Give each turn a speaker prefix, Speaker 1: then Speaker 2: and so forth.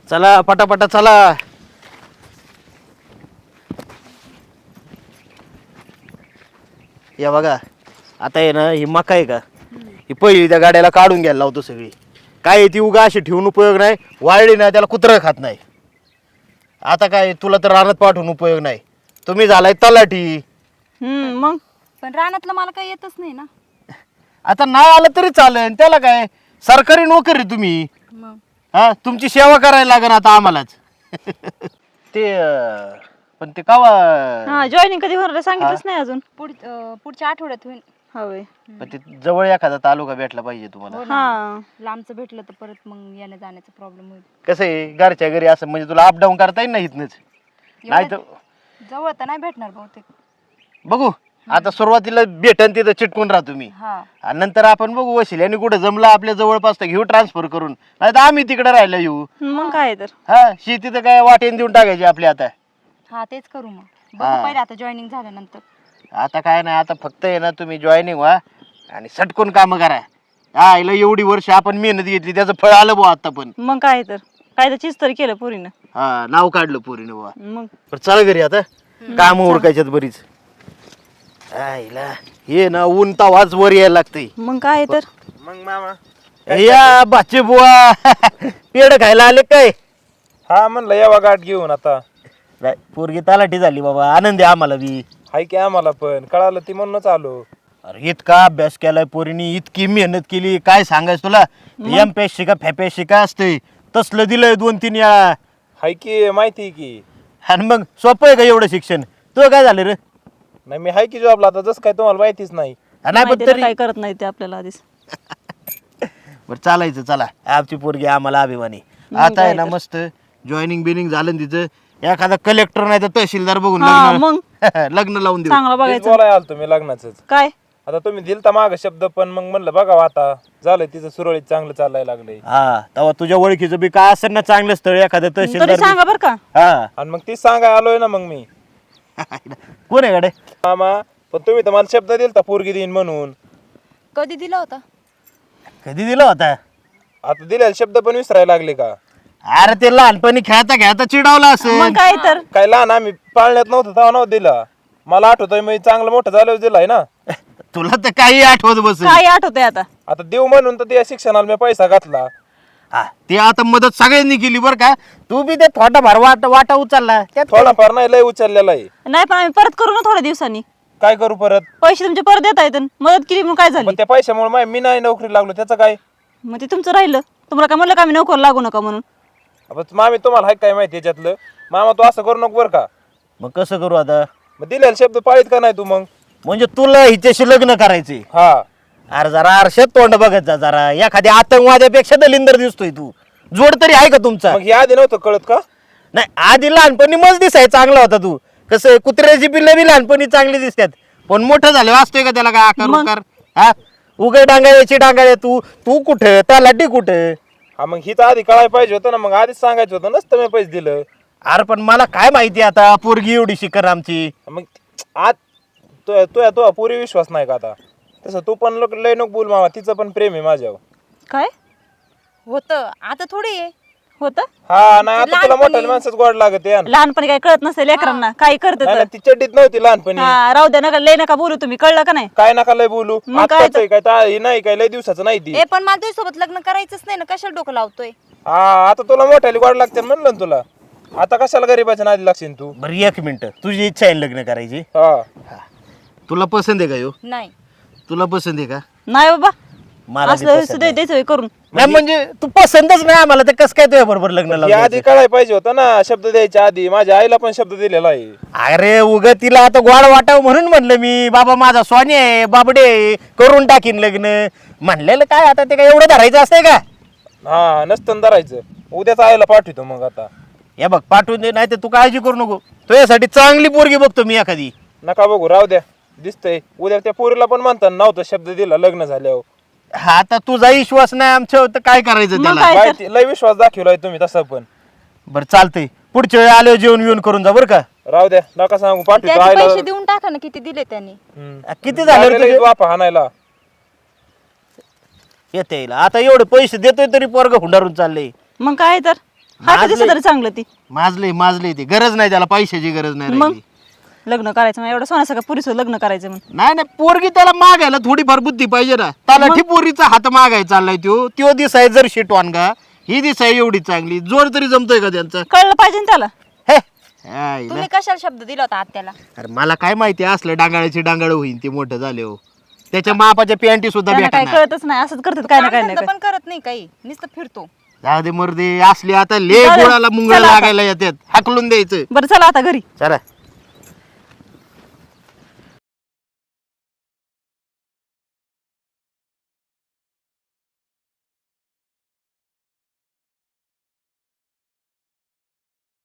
Speaker 1: चला पटापटा चला. या बघा आता आहे ना ही मका आहे का ही पहिली त्या गाड्याला काढून घ्यायला लावतो सगळी. काय ती उगा अशी ठेवून उपयोग नाही, वाळली नाही त्याला कुत्रं खात नाही. आता काय तुला तर रानात पाठवून उपयोग नाही, तुम्ही झालाय तलाठी.
Speaker 2: मग
Speaker 3: पण रानातलं मला काही येतच नाही ना.
Speaker 1: आता नाही आलं तरी चालेल, त्याला काय सरकारी नोकरी तुम्ही.
Speaker 3: मग
Speaker 1: हा तुमची सेवा करायला लागेल आता आम्हालाच. ते पण ते कावा
Speaker 2: हा जॉईनिंग कधी होणार सांगितलंच नाही अजून.
Speaker 3: पुढच्या आठवड्यात होईल.
Speaker 2: हवे
Speaker 1: पण ते जवळ एखादा तालुका भेटला पाहिजे तुम्हाला.
Speaker 3: हो ना.
Speaker 2: हा
Speaker 3: लांबचं भेटलं तर परत मग येण्या जाण्याचा प्रॉब्लेम होईल.
Speaker 1: कसं आहे घरच्या घरी असं म्हणजे तुला अपडाऊन करता येईल ना इथनच. नाही तर
Speaker 3: जवळ तर नाही भेटणार बहुतेक.
Speaker 1: बघू आता सुरुवातीला भेटन तिथं चिटकून राहा तुम्ही.
Speaker 3: हा
Speaker 1: आणि नंतर आपण बघू वशील आणि कुठं जमलं आपल्या जवळपास तर घेऊ ट्रान्सफर करून, नाही तर आम्ही तिकडे राहायला येऊ.
Speaker 2: मग काय तर.
Speaker 1: हा शेती तर काय वाटेन देऊन टाकायची आपली आता.
Speaker 3: हा तेच करू मग. बघू पहिले आता जॉईनिंग झाल्यानंतर.
Speaker 1: आता काय नाही, आता फक्त आहे ना तुम्ही जॉईनिंग व्हा आणि सटकून काम करा. हा हिला एवढी वर्ष आपण मेहनत घेतली त्याचं फळ आलं बुवा आता. पण
Speaker 2: मग काय तर चीज तरी केलं पोरीनं.
Speaker 1: हा नाव काढलं पोरीनं बुवा.
Speaker 2: मग
Speaker 1: पण चला घरी आता काम उरकायच्यात बरीच. हिला हे ना ऊन तवाच वर यायला लागतंय.
Speaker 2: मग काय तर.
Speaker 4: मग मामा
Speaker 1: या बाचे बुवा पेड खायला आले काय?
Speaker 4: हा म्हणलं यावा गाठ घेऊन आता.
Speaker 1: नाही पोरगी तलाठी झाली बाबा, आनंद आहे आम्हाला बी.
Speaker 4: हाय की आम्हाला पण कळालं ती म्हणूनच आलो.
Speaker 1: अरे इतका अभ्यास केलाय पोरीनी, इतकी मेहनत केली, काय सांगायचं तुला. एमपीएस शिका फॅपीएस शिका असते तसलं दिलंय 2-3 वेळा.
Speaker 4: हाय की माहिती की.
Speaker 1: आणि मग सोपं आहे का एवढं शिक्षण? तुझं काय झालं रे?
Speaker 4: नाही मी हाय की जॉबला आता, जसं काय तुम्हाला माहितीच नाही.
Speaker 1: नाही पण
Speaker 2: माहिती
Speaker 1: तरी
Speaker 2: काय करत नाही ते आपल्याला आधीच.
Speaker 1: बरं चालायचं. चला आमची पोरगी आम्हाला अभिमानी. आता आहे ना मस्त जॉईनिंग बिनिंग झालं ना तिचं, एखादा कलेक्टर नाही तर तहसीलदार बघून
Speaker 2: हा,
Speaker 1: लग्न
Speaker 2: मग
Speaker 1: लग्न लावून देऊ.
Speaker 2: चांगलं
Speaker 4: तेच
Speaker 2: बघायचं.
Speaker 4: बोलाय आलो तुम्ही लग्नाचंच.
Speaker 2: काय
Speaker 4: आता तुम्ही दिलता माग शब्द, पण मग म्हणलं बघावं आता झालंय तिचं सुरळीत चांगलं चालायला लागलंय.
Speaker 1: हा तेव्हा तुझ्या ओळखीचं बी काय असेल ना चांगलं स्थळ एखादं
Speaker 2: तरी
Speaker 1: तहसीलदार
Speaker 2: सांगा बर का.
Speaker 1: हा
Speaker 4: आणि मग तीच सांगाय आलोय ना मग मी.
Speaker 1: कोण आहे गाडे?
Speaker 4: मामा पण तुम्ही तर मला शब्द दिलता पोरगी देईन म्हणून.
Speaker 3: कधी दिला होता?
Speaker 1: कधी दिला होता?
Speaker 4: आता दिलेला शब्द पण विसरायला लागले का?
Speaker 1: अरे ते लहानपणी खेळता खेळता चिडावला असेल.
Speaker 2: मग काय तर.
Speaker 4: काय लहान आम्ही पाळण्यात नव्हतं तेव्हा नव्हतं दिला. मला आठवतोय मी चांगलं मोठं झाल्यावर दिलाय ना.
Speaker 1: तुला तर काही आठवत बसेल.
Speaker 2: काय आठवतंय आता.
Speaker 4: आता देऊ म्हणून तर त्या शिक्षणाला मी पैसा घातला.
Speaker 1: हा ते आता मदत सगळ्यांनी केली बरं का. तू बी ते थोडाफार वाटा उचलला त्यात काय?
Speaker 4: थोडाफार नाही लय उचललेला आहे.
Speaker 2: नाही पण आम्ही परत करू ना थोड्या दिवसांनी.
Speaker 4: काय करू परत?
Speaker 2: पैसे तुमचे परत देता येतात. मदत केली म्हणून काय झाली.
Speaker 4: पण त्या पैशामुळे मी नाही नोकरी लागलो त्याचं काय?
Speaker 2: मग ते तुमचं राहिलं. तुम्हाला काय म्हणलं का आम्ही नोकर लागू नका म्हणून.
Speaker 4: मामी तुम्हाला हाय काय माहिती याच्यातलं? मामा तू असं करू नको बरं का.
Speaker 1: मग कसं करू आता?
Speaker 4: मग दिलेला शब्द पाळीत का नाही तू मग?
Speaker 1: म्हणजे तुला हिच्याशी लग्न करायचे?
Speaker 4: हा
Speaker 1: अरे जरा आरशात तोंड बघत जा जरा. एखाद्या आतंकवाद्यापेक्षा दलिंदर दिसतोय तू. जोड तरी आहे का तुमचा?
Speaker 4: मग हे आधी नव्हतं कळत का?
Speaker 1: नाही आधी लहानपणी मज दिसाय चांगला होता तू. कसं कुत्र्याची पिल्लं बी लहानपणी चांगली दिसतात, पण मोठं झालं वाचतोय का त्याला काय आकार उकार? हा उगे डांगाळ्याची डांगाळ्या. तू तू कुठं तलाठी कुठं?
Speaker 4: हा मग हिचं आधी कळायला पाहिजे होतं ना. मग आधीच सांगायचं होतं नसतं मी पैसे दिलं.
Speaker 1: अरे पण मला काय माहिती आता पोरगी एवढी शिकर आमची.
Speaker 4: मग आज तो पुरी विश्वास नाही का आता? तसं तू पण लय नको बोल मामा, तिचं पण प्रेम आहे माझ्यावर.
Speaker 2: काय
Speaker 3: होतं आता थोडी आहे.
Speaker 2: होतं.
Speaker 4: हा नाही आता तुला मोठ्या माणसाच गोड लागत आहे.
Speaker 2: लहानपणी काय कळत नसेल लेकरांना. काही करत
Speaker 4: नाही ती चड्डीत नव्हती लहानपणी.
Speaker 2: हा राहू द्या नका लय नका बोलू तुम्ही. कळलं का नाही.
Speaker 4: काय नका लय बोलू.
Speaker 2: मग काय
Speaker 4: आत्ताच आहे काय हे नाही काय लय दिवसाचं नाही ती.
Speaker 3: ए पण मला तुझ्यासोबत लग्न करायचंच नाही ना. कशाला डोकं लावतोय?
Speaker 4: हा आता तुला मोठ्याली गोड लागते म्हणलं ना तुला. आता कशाला गरीबाच्या नादी लागशील तू?
Speaker 1: बरं एक मिनिट, तुझी इच्छा आहे लग्न करायची?
Speaker 4: हा
Speaker 1: तुला पसंत आहे का यो?
Speaker 3: नाही.
Speaker 1: तुला पसंत आहे का?
Speaker 2: नाही बाबा
Speaker 1: मला बी
Speaker 2: असलं
Speaker 1: पसंत आहे.
Speaker 2: द्यायचं करून.
Speaker 1: नाही म्हणजे तू पसंतच नाही आम्हाला तर कसं काय तुझ्या बरोबर लग्न
Speaker 4: हे
Speaker 1: लावलं?
Speaker 4: आधी कळायला पाहिजे होतं ना. शब्द द्यायच्या आधी माझ्या आईला पण शब्द दिलेला आहे.
Speaker 1: अरे उग तिला आता गोड वाटावं म्हणून म्हणलं मी. बाबा माझा स्वानी आहे बाबडे आहे, करून टाकीन लग्न म्हणलेलं. काय आता ते काय एवढं धरायचं असतंय का?
Speaker 4: हा नसतं धरायचं. उद्याच आईला पाठवतो मग आता.
Speaker 1: हे बघ पाठवून दे, नाही तर तू काळजी करू नको. तुझ्यासाठी चांगली पोरगी बघतो मी एखादी.
Speaker 4: नका बघू राहू द्या. दिसतंय उद्या त्या पोरीला पण म्हणतात नव्हतं शब्द दिला लग्न झाल्यावर.
Speaker 1: हा आता तुझा विश्वास नाही आमच्यावर तर काय करायचं
Speaker 2: मग
Speaker 1: त्याला?
Speaker 2: काय?
Speaker 4: माहिती लय विश्वास दाखवलाय तुम्ही तसं पण.
Speaker 1: बरं चालतंय, पुढच्या वेळी आल्यावर जेवण बिवून करून जा बरं का.
Speaker 4: राहू द्या नका सांगू पाठवतो
Speaker 3: त्याचे
Speaker 4: आईला.
Speaker 3: पैसे देऊन टाका ना. किती दिले त्यांनी?
Speaker 1: किती झाले रे
Speaker 4: लागलेलं
Speaker 1: तुझे?
Speaker 4: वापा हाणायला.
Speaker 1: येते आता एवढे पैसे देतोय तरी पोरग हुंडारून चाललंय.
Speaker 2: मग काय तर. हा का दिसत तरी चांगलं ती
Speaker 1: माजले ती गरज नाही त्याला पैशाची गरज नाही
Speaker 2: मग
Speaker 1: राहिली.
Speaker 2: लग्न करायचं मग एवढं सोन्यासारखं पुरीसोबत लग्न करायचं म्हणून
Speaker 1: नाही पोरगी त्याला मागायला थोडीफार बुद्धी पाहिजे ना त्याला पोरीचा हात मागाय चाललाय त्यो दिसाय जर शिटवान का ही दिसाय एवढी चांगली जोड तरी जमतोय का त्यांचं
Speaker 2: कळलं पाहिजे ना त्याला.
Speaker 1: हे आईला.
Speaker 3: तुम्ही कशाला शब्द दिला होता आत्याला?
Speaker 1: अरे मला काय माहिती असलं डांगाळ्याची डांगाळ होईन ते मोठं झाले हो त्याच्या मापाच्या पॅन्टी सुद्धा
Speaker 2: त्यांना काय
Speaker 1: भेटणार
Speaker 2: कळतच नाही असंच करतात काय ना काय नाही
Speaker 3: काम
Speaker 2: काय.
Speaker 3: धंदा पण करत नाही काही, नुसतं फिरतो.
Speaker 1: जाऊ दे मर्दे असले आता ले
Speaker 2: चालेल.
Speaker 1: गोळाला मुंगळ
Speaker 2: चला आता.
Speaker 1: लागायला येतात हाकलून द्यायचं
Speaker 2: बरं चला आता घरी.
Speaker 1: चला